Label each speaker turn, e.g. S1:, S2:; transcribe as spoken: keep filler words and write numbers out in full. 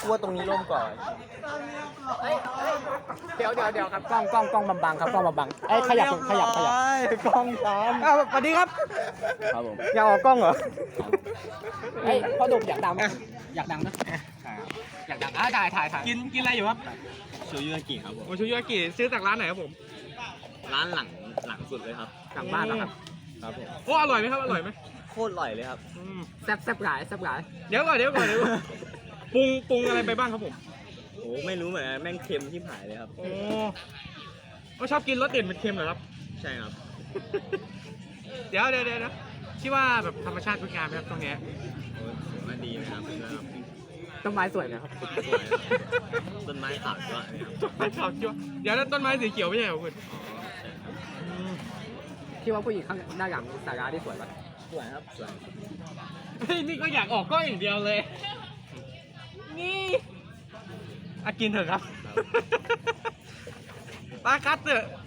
S1: ว่าตรงนี้ร่มก่อน
S2: เดี๋ยวเดี๋ยวเดี๋ยวครับกล้องกล้องกล้องบังบังครับกล้องบังบังไอ้ขยับขยับขยับ
S1: กล้องช้อน
S2: อ้าวสวัสดีครับ
S1: ครับผม
S2: อยากออกกล้องเหรอไอ้พ่อดุอยากดังไหมอยากดังนะอยากดังอ่ะถ่ายถ่ายถ่าย
S3: กินกินอะไรอยู่ครับ
S1: โชยุอากิครับผม
S3: โอชูยากิซื้อจากร้านไหนครับผม
S1: ร้านหลังหลังสุดเลยครับ
S2: กลับบ้านแล้วครับ
S1: ครับผม
S3: โอ้อร่อยไหมครับอร่อยไหม
S1: โคตรอร่อยเลยครับ
S3: อืม
S2: แซ่บแซ่บหลายแซ่บหลาย
S3: เดี๋ยวก่อนเดี๋ยวก่อนเดี๋ยวก่อนปรุงปรุงอะไรไปบ้างครับผม
S1: โอ้ไม่รู้เหมือนกันแม่งเค็มที่หายเลยครับ
S3: โอ้ก็ชอบกินรสเด่นเป็นเค็มเหรอครับ
S1: ใช่ครับ
S3: เดี๋ยวเดี๋ยวเดี๋ยวคิดว่าแบบธรรมชาติงดงามไหมครับตรงเนี้ย
S1: โอ้ถือว่าดีนะครับนะครับ
S2: ต้นไม้สวยนะครับ
S1: สวยครับต้นไม้ขาวด้วยนะครับ
S3: ต้นไม้ขาวจั่วเดี๋ยวแล้วต้นไม้สีเขียวไม่ใช่เหรอคุณ
S1: อ๋อใช่ครับ
S2: คิดว่าผู้หญิงข้างด้านหลังสาราที่สวยปะ
S1: สวยครับสวย
S3: เฮ้ยนี่ก็อยากออกกล้องอย่างเดียวเลย นี่อากินเถอะครับปาคัตเถอะ